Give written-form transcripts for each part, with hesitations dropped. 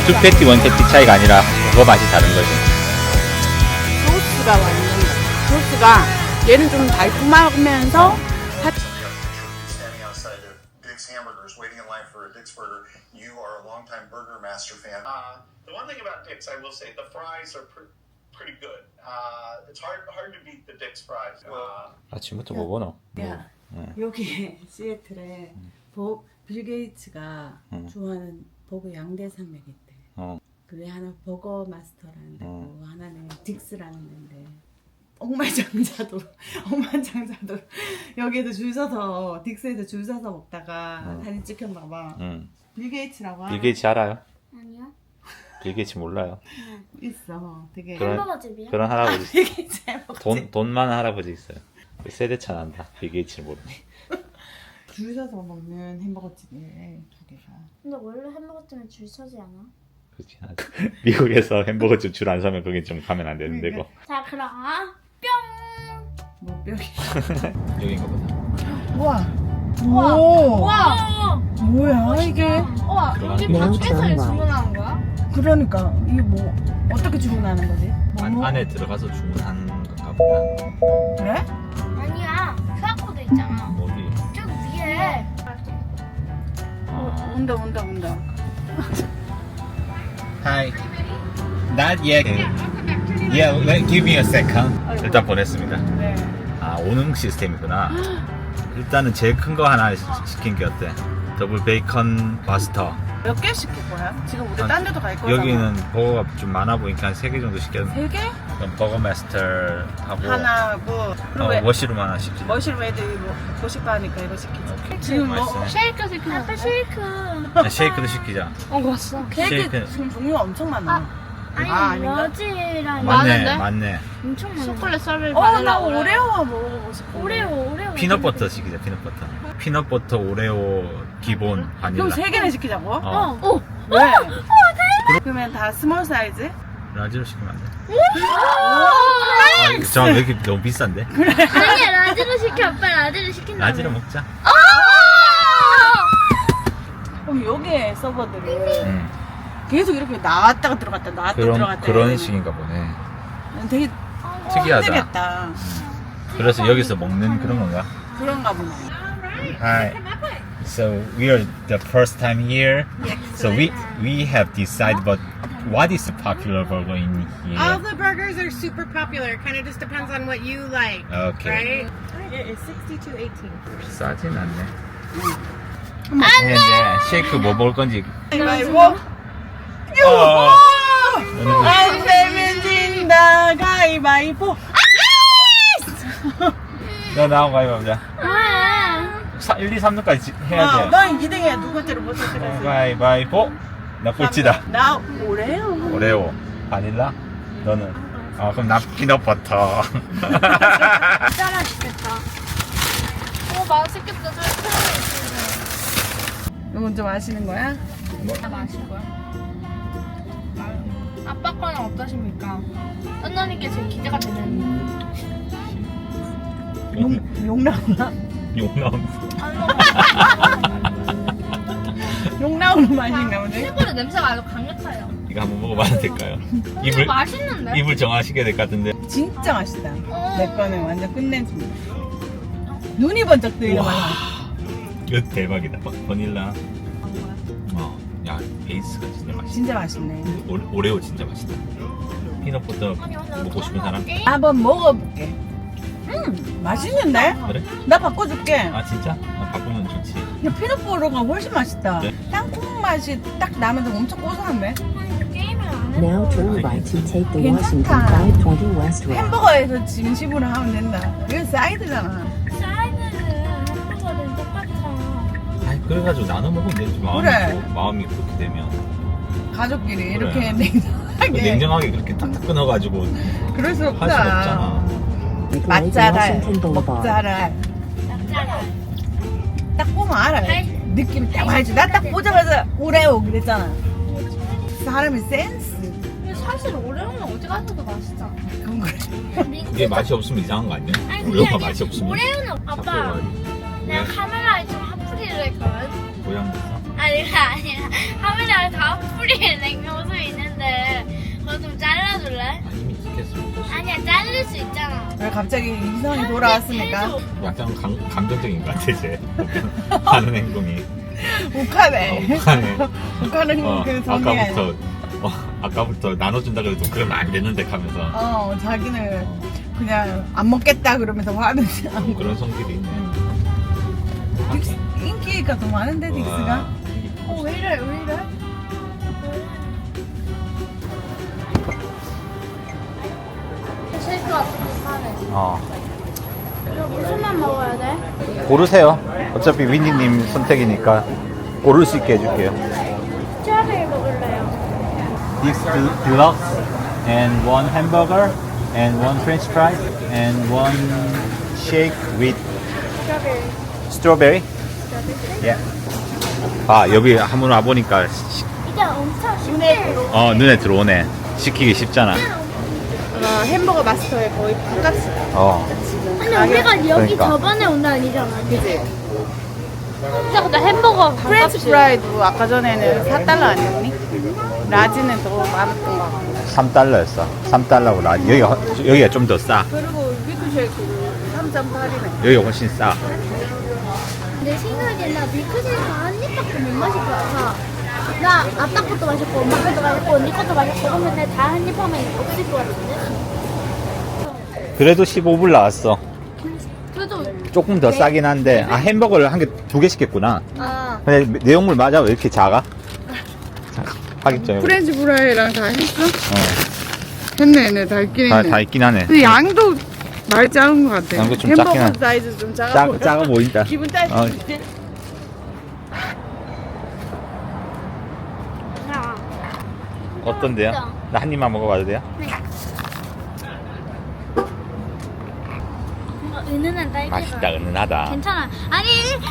투 패티, 원 패티 차이가 아니라 그거 맛이 다른 거지. 소스가 완전 소스가 얘는 좀 달콤하면서 Standing outside of Dick's Hamburgers, waiting in line for a Dick's burger. You are a longtime Burger Master fan. The one thing about Dick's, I will say, the fries are pretty good. It's hard to beat the Dick's fries. 아침부터 뭐 보노? 야, 여기 시애틀에 빌 게이츠가 좋아하는 버거 양대 산맥이 있대. 그게 하나 버거 마스터라는 데고 하나는 딕스라는 데인데 억만장자도 여기에도 줄 서서 딕스에서 줄 서서 먹다가 사진 찍혔나봐. 빌 게이츠라고 빌 게이츠 알아요? 아니요. 빌 게이츠 몰라요. 있어. 되게 햄버거집이요? 그런 할아버지 빌 게이츠 돈 많은 할아버지 있어요. 세대차 난다. 빌 게이츠를 모르네. 줄 서서 먹는 햄버거 집이래 두 개가. 근데 원래 햄버거집은 줄 서지 않아? 그렇지. 미국에서 햄버거집 줄 안 서면 거기 좀 가면 안 되는 데고. 자 그럼 뿅! 뭐 뼈기. 여긴가 보다. 우와. 우와! 오. 우와! 뭐야 이게? 우와 여기 밖에서 주문하는 거야? 그러니까 이게 뭐 어떻게 주문하는 거지? 뭐? 안에 들어가서 주문하는 건가 보다. 그래? 아니야 QR코드 있잖아 어디? 저 위에 온다. Hi. Not yet. Yeah, give me a second. 일단 보냈습니다. 네. 아, 오능 시스템이구나. 일단은 제일 큰 거 하나 시킨 게 어때? 더블 베이컨 마스터. 몇 개 시킬 거야? 지금 우리 딴 데도 갈 거잖아. 여기는 버거가 좀 많아 보니까 한 3개 정도 시켰는데. 3개? 그럼 버거 마스터하고 하나 뭐 그리고 워시룸 하나 시키자. 머시룸 애들이 뭐 고싶어 하니까 이거 시키자. 오케이. 지금 뭐 맛있네. 쉐이크 시키자 아빠 쉐이크 쉐이크도 시키자. 왔어 케이크 쉐이크. 지금 종류가 엄청 많아. 아니 아닌가? 러지랑 맞네. 엄청 많아 초콜릿 썰을 나 오레오 먹어보고 싶어. 오레오 피넛버터 시키자. 피넛버터 오레오 기본 바닐라. 그럼 3개나 시키자고? 어. 왜? 그러면 다 스몰 사이즈? 라지로 시키면 안 돼? 오! 잠깐 왜 이렇게 너무 비싼데? 아니야 라지로 시켜 아빠 라지로 시킨다 라지로 먹자. 그럼 여기에 서버들이 계속 이렇게 나왔다가 들어갔다 그런 식인가 보네. 되게 특이하다. 힘들겠다. 그래서 여기서 먹는 그런 건가? 그런가 보네. Hi. So we are the first time here. So we have decided, but what is the popular burger in All here? the burgers are super popular. Kind of just depends on what you like, Okay. right? It's 62.18. 싸진 않네. 이제 쉐이크 뭐 먹을 건지. 가위바위보. 안 내면 진다. 가위바위보. 너 나하고 가위바위보. 아 1, 2, 3등까지 해야 돼. 넌 2등이야. 두 번째로 못 했어. 가위바위보. 나 꼴찌다. 나 오레오. 오레오. 바닐라? 너는? 그럼 나 피넛버터. 진짜 맛있겠다 맛있겠다 너 먼저 마시는 거야? 다 마실 거야 아빠 거는 어떠십니까? 썬더님께 제일 기대가 되는 욕 나오나? 욕 나오는. 욕 나오는 맛인가 보네. 실제로 냄새가 아주 강력해요 이거 한번 먹어봐도 될까요? 근데 맛있는데? 입을 정하시게 될 것 같은데. 진짜 맛있다. 내 거는 완전 끝내줍니다. 눈이 번쩍 뜨이는 맛. 이거 대박이다. 바닐라. 야 베이스가 진짜 맛있다. 진짜 맛있네. 오레오 진짜 맛있다. 피넛버터 먹고 싶은 사람? 한번 먹어볼게. 맛있는데? 그래? 나 바꿔줄게. 아 진짜? 바꾸면 좋지. 야, 피넛버터가 훨씬 맛있다. 네? 땅콩 맛이 딱 나면서 엄청 고소한데? 게임을 안 Now 해서 turn right to take the 괜찮다. Washington 520 West Road. 햄버거에서 진심으로 하면 된다. 이거 사이드잖아. 사이드는 햄버거는 똑같아 아니 그래가지고 나눠 먹으면 되지. 그래. 마음이 그렇게 되면. 가족끼리 그래. 이렇게 냉정하게. 냉정하게 그렇게 탁탁 끊어가지고 그럴 수 할 수 없다. 없잖아. Make way to 맛잘알, Washington Boulevard. 먹잘알. 짭짤해 딱 보면 알아. 느낌 딱 알지. 나 딱 보자마자 오레오 그랬잖아. 사람이 센스. 근데 사실 오레오는 어디 가서도 맛있잖아 그건 그래. 이게 맛이 없으면 이상한 거 아니야? 아니, 그게 오레오가 아니라 맛이 없으면. 오레오는 아빠 내가 카메라에 좀 핫플이를 했거든 고향 됐어? 아니가 아니라 카메라에 다 핫플이를 냉면 했으면 좋겠어. 아니야, 자를 수 있잖아. 왜 갑자기 이성이 돌아왔으니까 약간 감정적인 것 같아 이제 하는 행동이. 욱하네. 북한에 욱하는 그 정리가 아까부터 나눠준다 그래도 그러면 안 되는데 하면서 자기는 그냥 안 먹겠다 그러면서 화는 안 그런 성질이 있네. 인기가 더 많은데 딕스가. 왜 이래? 실컷 하네. 이거 무슨 맛 먹어야 돼? 고르세요. 어차피 윈디님 선택이니까 고를 수 있게 해줄게요. 스트로베리 먹을래요. This deluxe and one hamburger and one French fry and one shake with 스트로베리. strawberry. Yeah. 아 여기 한번 와 보니까 이제 엄청 쉽게. 눈에 들어오네. 시키기 쉽잖아. 햄버거 마스터에 거의 반값이다. 근데 우리가 여기 그러니까. 저번에 온 날 아니잖아. 그지? 진짜 근데 햄버거 프렌치 프라이도 아까 전에는 4달러 아니었니? 라지는 더 많았던 거 같고. 3달러였어. 3달러고 나 여기가 좀 더 싸. 그리고 밀크쉐이크도 3.8이네. 여기가 훨씬 싸. 내 생각에 나 밀크쉐이크 한 입밖에 못 마실 것 같아. 나 아빠 것도 마셨고 엄마 것도 마셨고 언니 것도 마셨고 그러면 다 한 입 하면 없을 것 같은데? 그래도 15불 나왔어. 그래도 조금 더 싸긴 한데 햄버거를 한 개 2개 시켰구나. 아 근데 내용물 맞아? 왜 이렇게 작아? 잠깐 확인 좀 해봐. 프렌치 프라이랑 다 했어? 했네, 다 있긴 했네. 다 있긴 하네. 근데 양도 많이 작은 것 같아. 양도 좀 작긴 햄버거 하네. 사이즈 좀 작아 보여. 작아 보인다. 기분 따지. 야. 어떤데요? 나 한 입만 먹어봐도 돼요? 뭔가 은은한 딸기가 맛있다, 은은하다. 괜찮아. 아니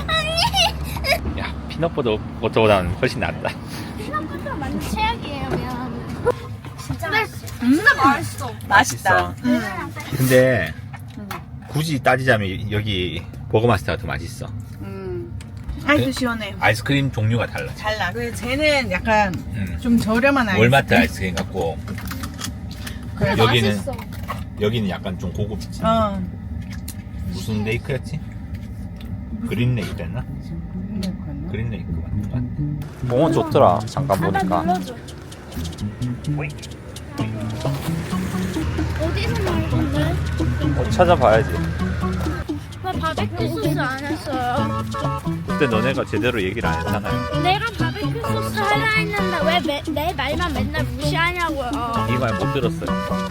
야, 피넛버터보다는 훨씬 낫다. 피넛버터 완전 최악이에요. 미안. 진짜 맛있어. 진짜 맛있어. 맛있다. 근데 굳이 따지자면 여기 버거마스터가 더 맛있어. 아이스 시원해. 아이스크림 종류가 달라. 달라. 그 쟤는 약간 좀 저렴한 아이스. 월마트 아이스크림 같고 여기는 맛있어. 여기는 약간 좀 고급지. 무슨 레이크였지? 그린 레이크였나? 그린 레이크 맞는 것 같아. 공원 좋더라. 잠깐 바다 보니까. 눌러줘. 어디서 나올 건데? 찾아봐야지. 나 바베큐 소스 안 했어요. 그때 너네가 제대로 얘기를 안 했잖아요. 내가 바베큐 소스 하려 했는데 왜 내 말만 맨날 무시하냐고요. 이 말 못 들었어요.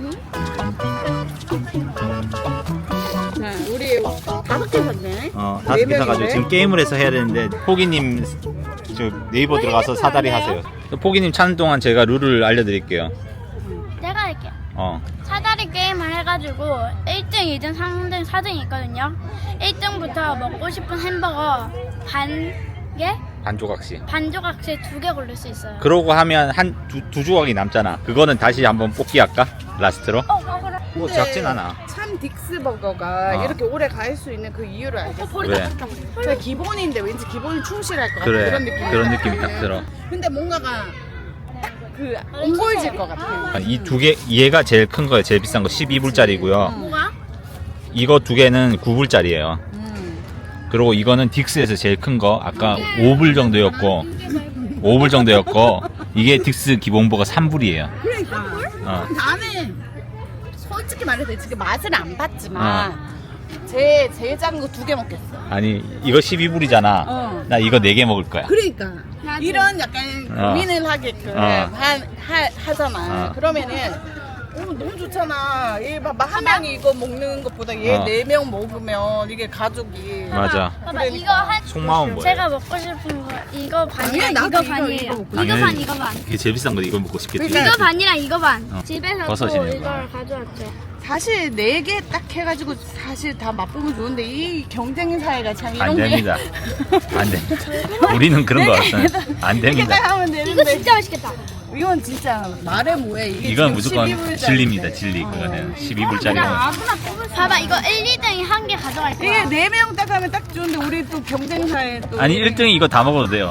우리 5개 샀네. 5개 사가지고 지금 게임을 해서 해야 되는데 포기님 저 네이버 들어가서 사다리 하세요. 포기님 찾는 동안 제가 룰을 알려드릴게요. 내가 할게. 어. 사다리 게임을 해가지고 1등, 2등, 3등, 4등이 있거든요. 1등부터 먹고 싶은 햄버거 반 개? 반 조각씩. 반 조각씩 2개 고를 수 있어요. 그러고 하면 두 조각이 남잖아. 그거는 다시 한번 뽑기 할까? 라스트로? 그래. 뭐 작진 않아. 참 딕스 버거가 이렇게 오래 갈 수 있는 그 이유를 알겠어. 왜? 그냥 기본인데 왠지 기본이 충실할 것 같아. 그래. 그런 느낌. 그런 느낌이 딱 들어. 근데 뭔가가 그 옹골질 것 같아. 이 두 개, 얘가 제일 큰 거예요. 제일 비싼 거 12불짜리고요. 뭐가? 이거 두 개는 9불짜리예요. 그리고 이거는 딕스에서 제일 큰 거 아까 5불 정도였고 5불 정도였고 이게 딕스 기본버거 3불이에요. 그러니까. 나는 솔직히 말해서 지금 맛을 안 봤지만 제일 작은 거 2개 먹겠어. 아니 이거 12불이잖아. 나 이거 4개 먹을 거야. 그러니까 나도. 이런 약간 고민을 하게끔 하잖아. 그러면은 너무 좋잖아. 얘 봐봐 한 명이 이거 먹는 것보다 얘 4명 먹으면 이게 가족이. 맞아. 봐봐 이거 한 속마음 뭐예요? 제가 먹고 싶은 거 이거 반이랑 아니야, 이거 나도 반이에요. 이거 먹고 이거 반 이거 반. 이게 제일 비싼 거 이거 먹고 싶겠지. 그러니까 이거 반이랑 이거 반. 집에서 또 버섯이네, 이거. 이걸 가져왔죠. 사실 4개 딱 해가지고 사실 다 맛보면 좋은데 이 경쟁 사회가 참 이런 안 됩니다. 안 됩니다. 우리는 그런 거 없어요. 안 이렇게 됩니다. 딱 하면 이거 되는데 진짜 맛있겠다. 이건 진짜 말해 뭐해. 이게 이건 지금 무조건 12불짜리인데. 진리입니다. 진리. 그거는 12불짜리는. 아무나 뽑을 수 봐봐 이거 1, 2등이 한 개 가져갈 거야. 이게 4명 딱 하면 딱 좋은데 우리 또 경쟁 사회 또 아니 1등이 이거 다 먹어도 돼요. 아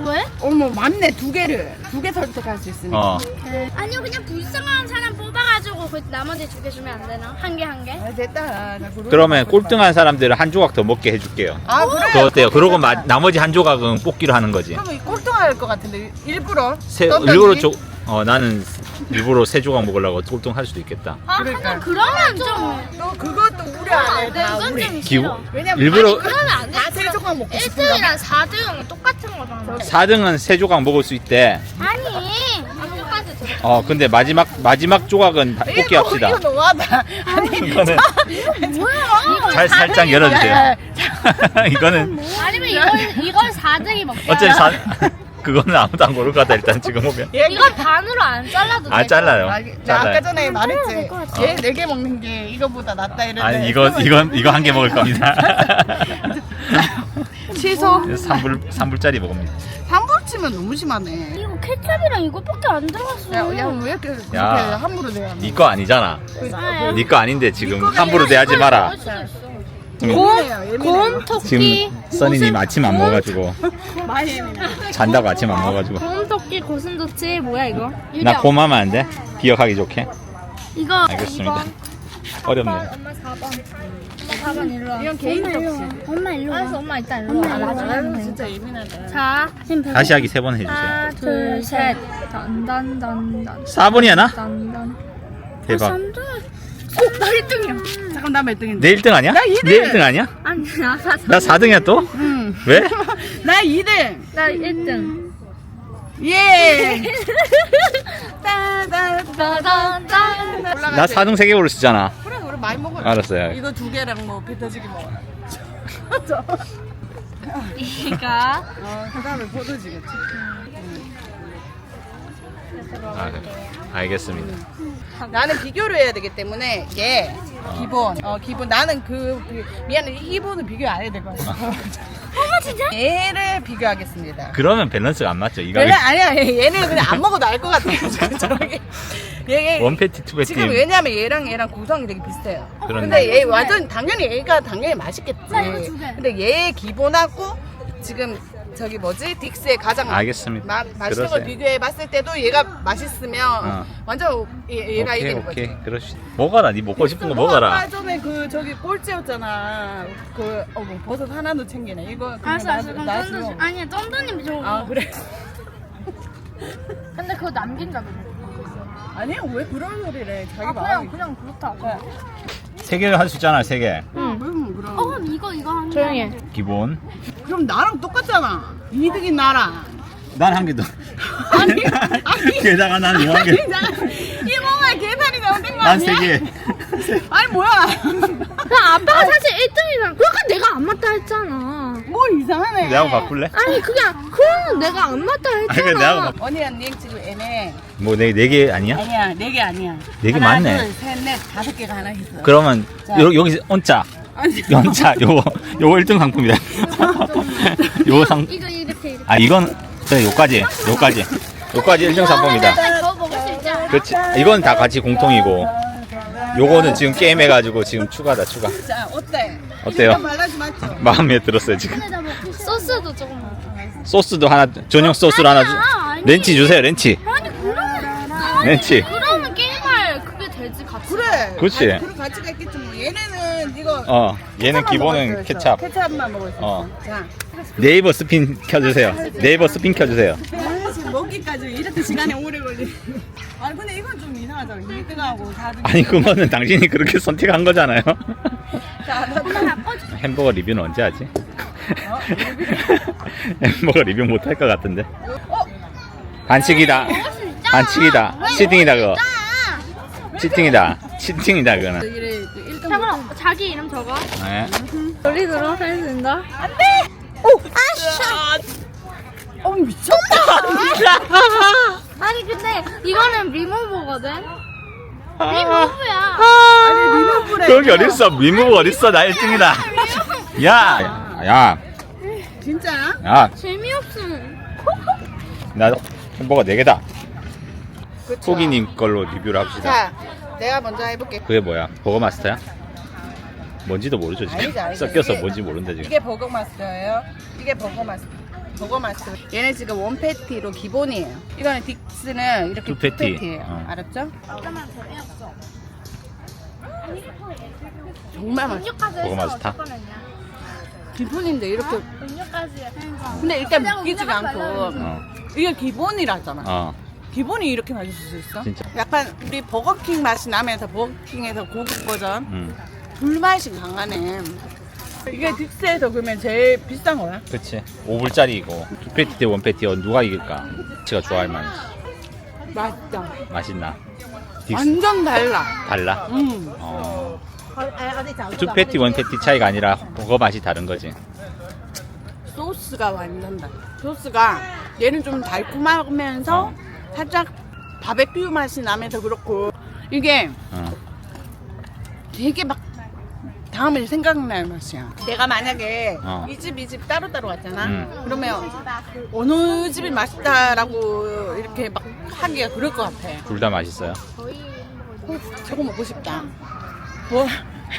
왜? 어머 맞네 두 개 선택할 수 있으니까. 어. 아니요 그냥 불쌍한 사람 뽑아가지고 그 나머지 2개 주면 안 되나? 한 개 한 개? 아, 됐다. 나 그거 그러면 먹고 꼴등한 사람들은 한 조각 더 먹게 해줄게요. 싶다. 아 그래? 그거 어때요? 그러고 나머지 한 조각은 뽑기로 하는 거지. 그러면 꼴등할 것 같은데 일부러. 일부러 나는 일부러 3조각 먹으려고 꼴등할 수도 있겠다. 아 그러니까. 그러면 좀 또 그것도 우리 안에 다 이건 우리. 좀 기분 싫어. 왜냐면 일부러 그러면 안 돼. 다 3조각 먹고 싶은가 1등이랑 4등 똑같은 거잖아. 4등은 3조각 먹을 수 있대. 아니 똑같이 들어. 근데 마지막 조각은 뽑기 합시다. 이거 너무하다. 아니 이거는 뭐야? 살짝 열어주세요. 이거는 아니면 이걸 4등이 먹자. 어차피 그거는 아무도 안 고를 것 같아. 일단 지금 보면 이건 반으로 안 잘라도 돼. 안 잘라요. 나 아까 잘라요. 전에 말했지. 될것 같아. 얘 4개 먹는 게 이거보다 낫다 이랬는데. 아니 이거 한 개 먹을 겁니다. 취소. 3불짜리 먹습니다. 환불 치면 너무 심하네. 이거 케첩이랑 이거밖에 안 들어갔어. 야왜 이렇게 그렇게 야. 함부로 내야 네 거 아니잖아. 싸요. 네 거 아닌데 지금 함부로 대하지 마라. 곰, 토끼, 지금 써니님 아침 안 먹어가지고 잔다고 아침 안 먹어가지고 곰, 토끼, 고슴도치 뭐야 이거? 나 곰하면 안 돼? 기억하기 좋게. 이거 알겠습니다. 2번. 어렵네. 엄마 4번. 엄마 4번 일로 와. 이건 개인 접시. 엄마 일로 와. 알았어 엄마 이따 일로 와. 아유 진짜 예민하다. 자, 다시 하기 3번 해주세요. 하나, 둘, 셋. 단단단단. 4번이야 나? 단단. 대박. 나 1등이야. 잠깐 나 몇 등인데? 내 1등 아니야? 나 이등. 내 1등 아니야? 아니 나 4. 나 4등이야 또? 응. 왜? 나 2등. 나 1등. 예. 따단단. 나 4등 3개 고르시잖아. 그래 우리 많이 먹어. 알았어요. 이거 2개랑 뭐 배 터지기 먹어. 이가 그다음에 포도지겠지. 아, 그래. 알겠습니다. 나는 비교를 해야 되기 때문에 얘 기본 나는 미안해 이 기본은 비교 안 해야 될 것 같아. 엄마 진짜? 얘를 비교하겠습니다. 그러면 밸런스가 안 맞죠? 이거 아니야 얘는 그냥 안 먹어도 알 것 같아. 저렇게 얘 원패티 투패티. 지금 왜냐면 얘랑 구성이 되게 비슷해요. 그렇네. 근데 얘 완전 당연히 얘가 당연히 맛있겠지. 나 이거 2개. 근데 얘 기본하고 지금 저기 뭐지 딕스의 가장 알겠습니다. 맛있는 걸 그러세요. 비교해 봤을 때도 얘가 맛있으면 완전 얘가 오케이 이기는 오케이 거지. 그러시. 먹어라. 네 먹고 싶은 거 먹어라. 아까 전에 저기 꼴찌였잖아. 뭐 버섯 하나도 챙기네. 이거 그냥 알았어 그럼 나 쫀득 주고. 아니야 쫀득님 줘. 아 그래. 근데 그거 남긴다며. 아니야 왜 그런 소리를 해. 자기 아 마음이. 그냥 그렇다고. 3개를 할 수 있잖아. 3개. 그럼. 그럼 이거 한 조용히 해. 기본. 그럼 나랑 똑같잖아. 2등인 나랑. 난 한 개 더. 아니. 게다가 난 이만 개. 이모가 계산이 잘못된 거 난 아니야? 3개. 아니 뭐야? 나 아빠가 사실 1등이잖아. 그러니까 내가 안 맞다 했잖아. 뭐 이상하네. 내하고 바꿀래? 아니 그러면 내가 안 맞다 아니 했잖아. 그래 내하고 바꿀. 언니 지금 애매. 뭐 4개 아니야? 아니야 4개 아니야. 4개 하나, 맞네. 둘, 셋, 넷, 5개가 하나 있어. 그러면 여기서 언짜. 연차 요거 1등 상품이다. 요거 이거 이렇게. 아 이건 그래 요까지 1등 상품이다. 더 먹을 수 있잖아. 그렇지. 이건 다 같이 공통이고 요거는 지금 게임 해가지고 지금 추가다 추가. 자 어때? 어때요? 이거 말라지 맞죠? 마음에 들었어요 지금. 소스도 조금. 소스도 하나 전용 소스로 하나 주. 아니. 렌치 주세요 렌치. 아니 그러면 렌치. 그러면 게임할 그게 되지 같이. 그래. 그렇지. 아니, 그런 가치가 있겠지 뭐. 얘네는 이거. 얘는 케찹만 기본은 먹을 수 있어. 케찹. 케찹만 먹을 수 있어. 어. 자. 네이버 스핀 켜주세요. 네이버 스핀 켜주세요. 지금 먹기까지 이렇게 시간이 오래 걸리. 아니 근데 이건 좀 이상하잖아. 2등하고 4등. 아니 그거는 당신이 그렇게 선택한 거잖아요. 자, 햄버거 리뷰는 언제 하지? 햄버거 리뷰 못 할 것 같은데. 반칙이다. 반칙이다. 치팅이다 그거. 치팅이다. 치팅이다 그거는. 잠깐만 자기 이름 적어. 네. 놀이 들어 할 수 있나? 미쳤다. 아니 근데 이거는 리무버거든. 리무브야. 아니 리모브래. 거기 어딨어? 미무 어딨어? 나 1등이다. 야. 진짜야? 야. 재미없음. 나 햄버거 4개다. 그쵸. 토기님 걸로 리뷰를 합시다. 자, 내가 먼저 해볼게. 그게 뭐야? 버거 마스터야? 뭔지도 모르죠 지금. 알지. 섞여서 이게- 뭔지 모른다 지금. 이게 버거 마스터예요. 이게 버거 마스터. 버거마스터. 얘네 지금 원 패티로 기본이에요. 이거는 딕스는 이렇게 투 패티. 패티예요. 알았죠? 정말 맛있어. 버거마스터? 기본인데 이렇게. 음료까지. 근데 일단 믿기지가 않고 어. 이게 기본이라잖아. 어. 기본이 이렇게 맛있을 수 있어? 진짜. 약간 우리 버거킹 맛이 나면서 버거킹에서 고급 버전 불맛이 강하네. 이게 딕스에서 그러면 제일 비싼 거야? 그치. 5불짜리이고 2패티 대 1패티 누가 이길까? 제가 좋아할 만한. 맛있다. 맛있나? 딕스 완전 달라. 달라? 음. 어. 2패티 1패티 차이가 아니라 버거 맛이 다른 거지. 소스가 완전 달라. 소스가 얘는 좀 달콤하면서 살짝 바베큐 맛이 나면서 그렇고 이게 어. 되게 막 다음에 생각날 맛이야. 내가 만약에 어. 이 집 이 집 따로따로 왔잖아. 음. 그러면 어느 집이 맛있다라고 이렇게 막 하기가 그럴 것 같아. 둘 다 맛있어요. 저거 먹고 싶다. 뭐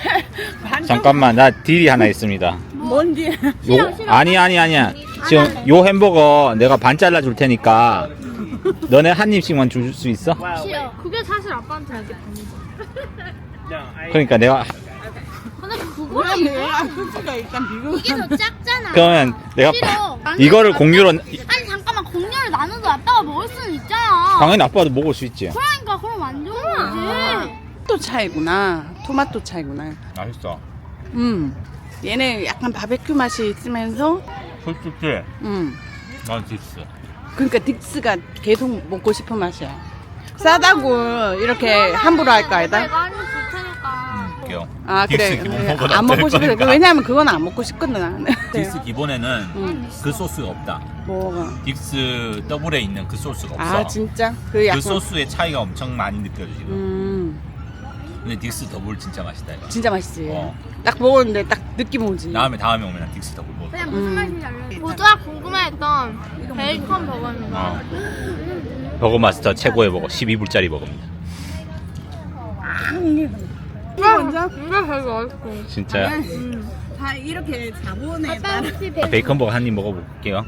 잠깐만, 나 딜이 하나 있습니다. 뭔지 요 아니야. 지금 요 햄버거 내가 반 잘라 줄 테니까 너네 한 입씩만 줄 수 있어? 싫어. 그게 사실 아빠한테 알게 됩니다. 그러니까 내가 근데 그거랑 얘랑 소스가 일단 비교. 이게 더 작잖아. 그러면 내가 싫어. 이거를 공유로 아니 잠깐만 공유를 나눠도 아빠가 먹을 수는 있잖아. 당연히 아빠도 먹을 수 있지. 그러니까 그럼 안 좋은 거지. 토마토 차이구나. 토마토 차이구나. 맛있어. 얘는 약간 바베큐 맛이 있으면서 솔직히 난 딕스. 그러니까 딕스가 계속 먹고 싶은 맛이야. 싸다고 이렇게 함부로 할 거 아니다. 내가 하는 좋다니까. 웃겨. 아 그래. 딕스 기본보다 안 먹고 될 싶어. 거니까. 왜냐면 그건 안 먹고 싶거든. 나는. 딕스 기본에는 그 소스가 없다. 뭐가? 딕스 더블에 있는 그 소스가 없어. 아 진짜? 그 약간 그 소스의 차이가 엄청 많이 느껴지거든. 근데 딕스 더블 진짜 맛있다 이거. 진짜 맛있지. 어. 딱 먹었는데 딱 느낌 오지. 다음에 오면 난 딕스 더블 먹어. 그냥 무슨 맛인지 알려. 모두가 궁금해했던 베이컨 버거입니다. 버거 마스터 최고의 버거 12불짜리 버거입니다. 이거 진짜? 이게 되게 맛있고. 진짜요? 다 이렇게 자본에 아빠 혹시 베이컨 버거 한 입 먹어볼게요.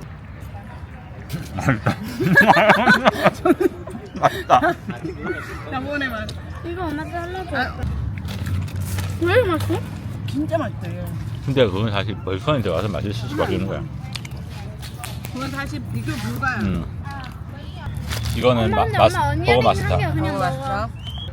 맛있다. 자본에 맛. 이거 엄마 잘라줘. 왜 이렇게 맛있어? 진짜 맛있다. 이거. 근데 그건 사실 베이컨에 들어가서 맛있을 수밖에 없는 거야. 그건 사실 비교 불가야. 이거는 버거 마스터. 그냥 먹어. 맛있어.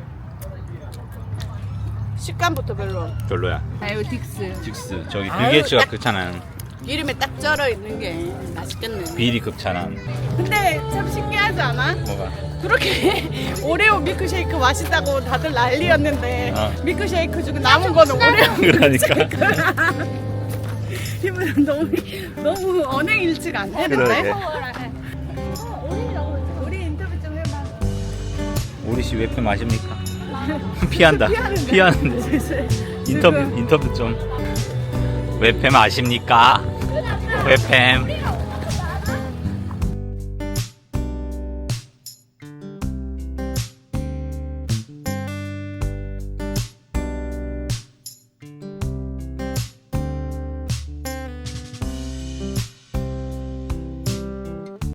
식감부터 별로야. 아유 딕스. 딕스 저기 아유, 빌게이츠가 딱- 극찬한 이름에 딱 쩔어 있는 게 맛있겠네. 비리 극찬한 근데 참 신기하지 않아? 뭐가? 그렇게 오레오 밀크쉐이크 맛있다고 다들 난리였는데 어. 밀크쉐이크 중에 남은 거는 오레오 그러니까. 기분 너무 언행일치가 안 되는데? 그러게. 우리 인터뷰 좀 해봐. 우리 씨 웹팸 아십니까? 피한다. 피하는데. 인터뷰 좀. 웹팸 아십니까? 웹팸.